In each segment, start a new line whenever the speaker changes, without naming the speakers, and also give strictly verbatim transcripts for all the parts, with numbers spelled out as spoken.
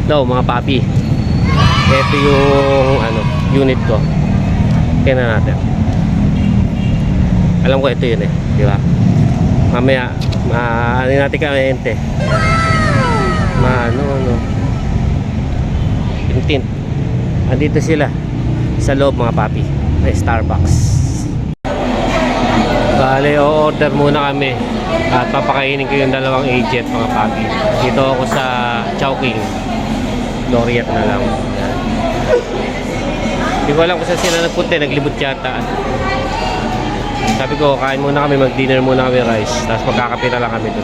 daw mga papi. Ito yung ano, unit ko. Tingnan natin. Alam ko ito yun eh, di ba? Mamaya, ma ano natin ka-ente. Ma ano ano. Tint. Andito sila sa loob mga papi. May Starbucks. Bale, o-order muna kami at papakainin ko yung dalawang agent mga papi. Dito ako sa Chowking. Loriat na lang. Yan. Hindi ko alam kung saan sila nagpunta, naglibot yata. Sabi ko, kain muna kami, mag-dinner muna kami rice. Tapos magkakape na lang kami dun.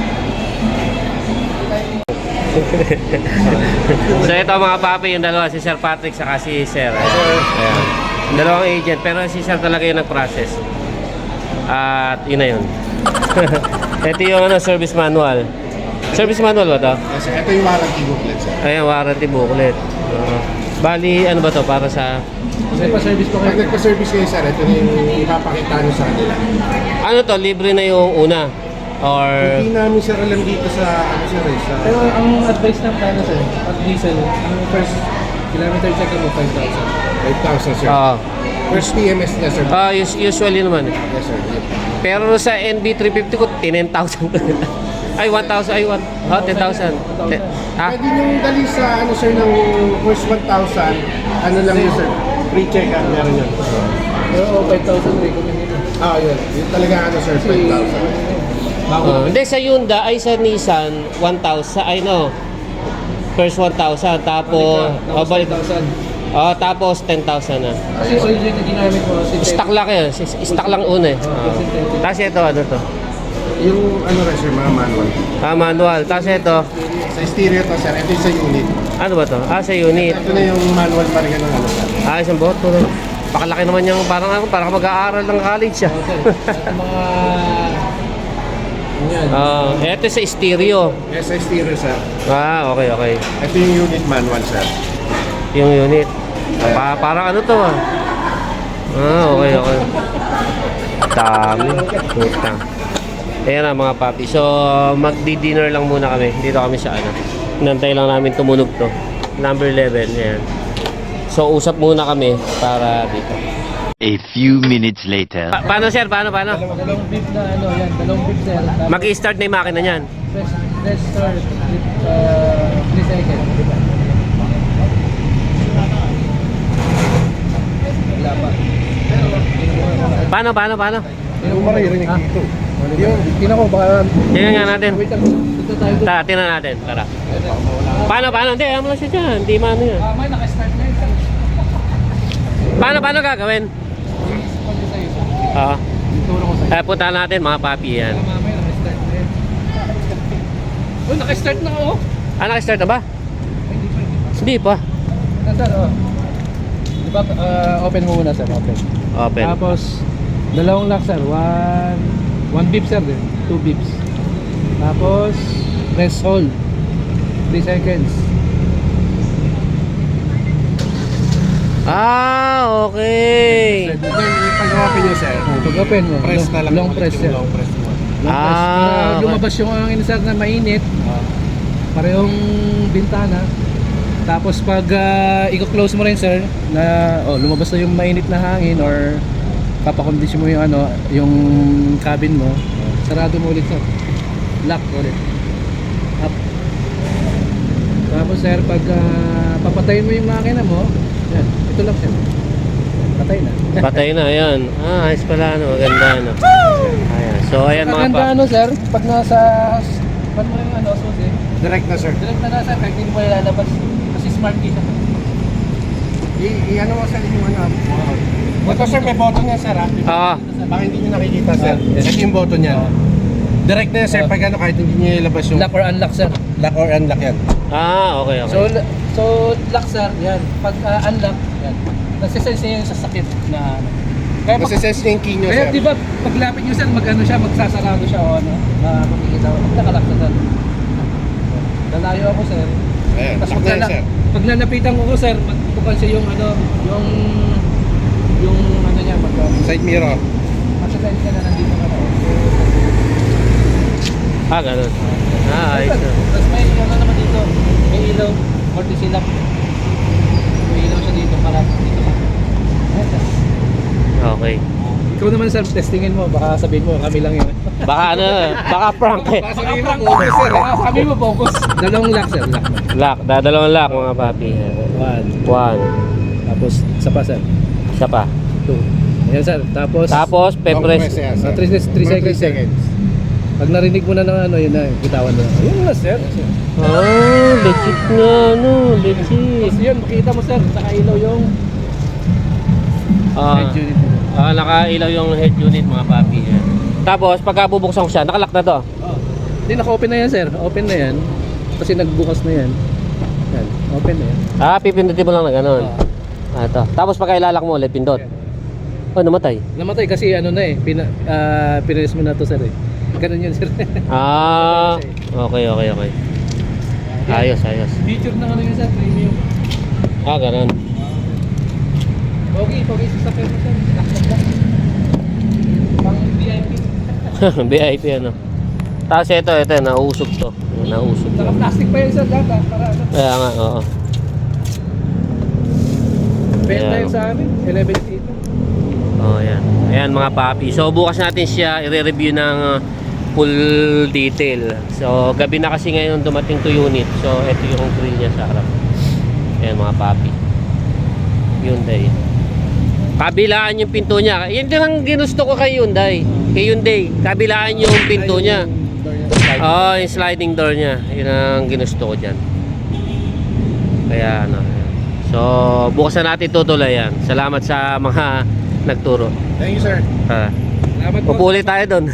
So ito mga papi, yung dalawa, si Sir Patrick saka si Sir. Ayan. Yung dalawang agent, pero si Sir talaga yung nag-process. At yun na yun. Ito yung ano, service manual. Service manual ba ito?
Yes, sir. Ito yung warranty booklet, sir.
Ayan, warranty booklet. Uh, bali, ano ba to para sa...
Kasi pa-service po kayo. Pag nagpa-service kayo, sir, ito na yung ipapakita nyo sa kanila.
Ano to, libre na yung una? Or...
Hindi namin, sir, alam dito sa, ano, sir, eh, sa...
Pero ang advice ng plano, sir, at diesel, ang first kilometer check mo, five thousand.
five thousand, sir.
Oo.
First P M S niya, sir.
Ah, us- usually naman.
Yes, sir. Yep.
Pero sa N B three fifty ko, ten thousand. Ay, one thousand. Ay, one. Oh, ten thousand. Ten- Ha?
Pwede nyo dali sa, ano, sir, ng first one thousand, ano lang yun, sir. Free check, ah, meron yun.
Pero five thousand recommended.
Ah, yun. Yun talaga, ano, sir, five thousand.
Uh, hindi, sa Hyundai, ay sa Nissan, one thousand. Ay, no. First one thousand. Tapos, oh, balik.
five thousand.
Oh, tapos ten thousand na.
Kasi oil rin na ginamit mo. Si
Stock lang yun. Stock lang una eh. Oh. Tapos ito, ano to?
Yung, ano rin, sir, mga manual.
Ah, manual. Tapos ito,
Sa stereo to, sir. Ito yung sa unit.
ano ba to? Ah, sa unit.
Ito na yung manual pa rin, ano, sir.
Ah, isang boto. Pakalaki naman yung parang ako, parang mag-aaral ng college siya.
At mga... Yan.
Ah, ito sa stereo.
Yes, sa stereo, sir.
Ah, okay, okay.
Ito yung unit manual, sir.
Yung unit. Pa parang ano to ah. Ah, okay, okay. Dami. Puta. Ayan na mga papi. So, magdi-dinner lang muna kami. Dito kami sa ano. Nantay lang namin tumunog to. Number eleven. Ayan. So, usap muna kami para dito.
A few minutes later.
Pa paano sir? Paano, paano?
Dalawang beef na ano, yan. Dalawang beef, sir. Tapos
Mag-i-start na yung makina niyan.
Press, press start with uh, three seconds. Wala pa.
Paano, paano, paano?
Yung maririnig
Ah.
dito.
Yung, tingnan ko, baka...
Tingnan nga natin.
Wait lang. Dito tayo.
Tara, tingnan natin. Tara. Paano, paano? Hindi, ayaw mo lang siya dyan. Hindi maano yan.
Ah, may naka-start na yun.
Paano, paano gagawin? Oo.
Turo ko sa'yo.
Kaya punta natin mga papi yan.
Mamaya naka-start na yun. Oh, naka-start na ako.
Ah, naka-start na ba?
Ay, Hindi pa, hindi pa.
Hindi pa.
Sir, oh. Di ba, uh, open mo muna, sir. Open.
Open.
Tapos, dalawang lock, sir. One, one beep, sir. Din. Two beeps. Tapos, press hold. Three seconds.
Ah, okay.
Then, ipag-open nyo, sir.
Pag open mo,
Press na lang.
long
ulit
press,
yung
sir.
Long press mo.
Long press.
Ah,
Para
okay.
lumabas yung hangin, sir, na mainit. Parehong bintana. Tapos pag uh, i-close mo rin, sir, na oh, lumabas na yung mainit na hangin or papakondisyon mo yung ano, yung cabin mo, sarado mo ulit, sir. Lock ulit. Up. Tapos, sir, pag uh, papatayin mo yung makina mo, yan, ito lang, sir. Patay na.
Patay na, ayan. Ah, ayos pala, ano. Maganda, ano. Ayan. So, ayan mga
Maganda,
papi.
ano, sir, pag nasa pag mo yung ano, susi,
Direct na, sir.
direct na nasa, kahit hindi mo ilalabas. Kasi smart key siya.
I- I-ano mo, sir, yung ano. uh, Ito, sir, may button yan, sir, ha?
Ah,
Baka hindi nyo nakikita, sir.
Ah, yes.
Ito yung button yan. Direct na yan, sir,
Ah.
pag ano, kahit hindi nyo ilabas yung
Lock or unlock, sir.
lock or unlock yan.
ah, okay, okay.
So, so lock, sir, yan. Pag uh, unlock, yan. Nagsisense niya yung sasakit na ano. Kaya pag,
Nasa-sense niya yung key nyo,
kaya
sir.
di ba, paglapit nyo, sir, mag-ano siya, magsasarado siya o ano, na makikita ko. Nakalock na, sir. Lalayo ako, sir.
Ayan,
Tapos
lock na yan,
pag,
sir.
pag lalapitan ko ko, sir, magbukan siya yung ano, yung, yung ano niya, mag,
Side mirror.
Masasense ka na nandito ka na.
Ah, ganun. Ah, ayos na.
Tapos may ano naman dito, may ilaw. courtesy lap. May ilaw siya dito para dito lang. Ayan, sir.
Okay.
Ikaw naman sir, testingin mo. Baka sabihin mo, kami lang yun.
Baka ano, baka prank eh.
Baka sabihin mo, focus sir. Baka sabihin mo, focus. Dalawang lock sir, lock.
Lock, dadalawang lock mga papi.
One.
One.
Tapos, isa pa sir.
Isa pa.
Two. Ayan sir, tapos...
Tapos,
Long
pepres.
press yan, sir.
Ah, three, three
Mga
seconds,
three
sir. Pag narinig mo na ng ano, yun na, bitawan mo. Ayun na sir.
Ah, legit nga, no, legit.
Tapos yun, makita mo sir, nakailaw yung
Ah,
head unit.
ah, nakailaw yung head unit mga papi. Yan. Tapos, pagka bubuksan ko siya, nakalock na to.
Oh. Hindi, naka-open na yan sir. Open na yan. Kasi nagbukas na yan. Yan, open na yan.
Ah, pipindutin mo lang na gano'n.
Oh.
Ah, ito. Tapos pagka ilalak mo ulit, pindot. Oh, namatay.
Namatay kasi ano na eh, pina, uh, pinalis mo na to sir eh. Ganun yun sir.
Ah, okay, okay, okay. Ayos, ayos.
Feature na ano yun sir, premium.
Ah, ganun.
Pogi, pogi sa sakyan mo sir. Laksak lang. Pang V I P.
V I P ano. Tapos ito, ito, nausog to. Nausog to.
Naka-plastic pa yun sir, lahat ah, para ano.
Kaya nga, oo.
Benta
Ayan.
yun sa amin, eleven seat.
Oh, ayan. Ayan mga papi. So bukas natin siya i-review ng uh, full detail. So gabi na kasi ngayon dumating to unit. So ito yung grill niya sa harap. Ayan mga papi. Hyundai. Kabilaan yung pinto niya. Yan din ang ginusto ko kay Hyundai. Kay Hyundai. Kabilaan yung pinto niya. Oh, yung sliding door niya. Yun ang ginusto ko dyan. Kaya ano. So bukas na natin tutuloy yan. Salamat sa mga nagturo.
Thank you, sir.
Ah,
Salamat po.
pupuli tayo doon.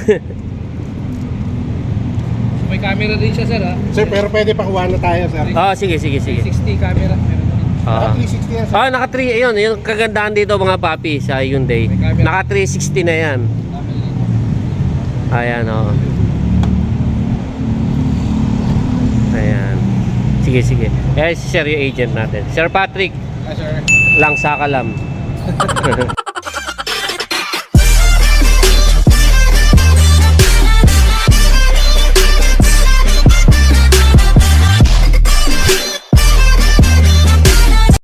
May camera din siya sir ha.
Sir, pero pwede pakuha na tayo, sir.
Ah, sige, sige, sige.
three sixty camera. Meron din.
Ah.
Naka three sixty yan, sir.
Ah, naka three, ayun, yung kagandahan dito mga papi sa Hyundai.
May camera.
Naka three sixty na yan. Ayan, oh. Ayan. Sige, sige. Eh, si Sir yung agent natin. Sir Patrick,
Ah sir.
lang sakalam.